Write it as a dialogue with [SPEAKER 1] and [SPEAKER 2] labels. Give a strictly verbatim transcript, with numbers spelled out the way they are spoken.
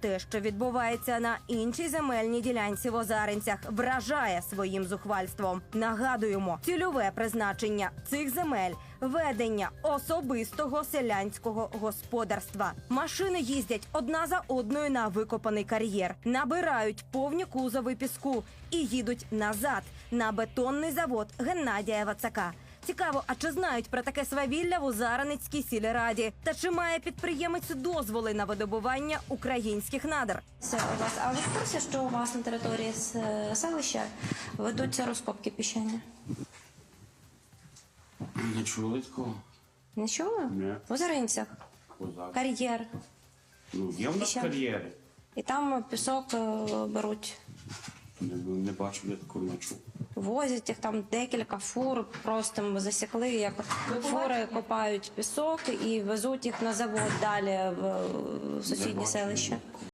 [SPEAKER 1] те, що відбувається на іншій земельній ділянці в Озаринцях, вражає своїм зухвальством. Нагадуємо, цільове призначення цих земель – ведення особистого селянського господарства. Машини їздять одна за одною на викопаний кар'єр, набирають повні кузови піску і їдуть назад на бетонний завод Геннадія Вацака. Цікаво, а чи знають про таке свавілля в Озарницькій сільраді? Та чи має підприємець дозволи на видобування українських надр?
[SPEAKER 2] Це у вас, а ви в курсі, що у вас на території с- селища ведуться розкопки піщані?
[SPEAKER 3] Не чули такого?
[SPEAKER 2] Не чули?
[SPEAKER 3] Ні.
[SPEAKER 2] В Озаринцях.
[SPEAKER 3] Козак.
[SPEAKER 2] Кар'єр.
[SPEAKER 3] Ну, є в нас
[SPEAKER 2] Ще?
[SPEAKER 3] кар'єри.
[SPEAKER 2] І там пісок е, беруть,
[SPEAKER 3] Не, не бачив, я такого не чув.
[SPEAKER 2] возять їх там декілька фур, просто ми засікли, як фури копають пісок і везуть їх на завод далі в, в сусіднє
[SPEAKER 3] бачу.
[SPEAKER 2] селище.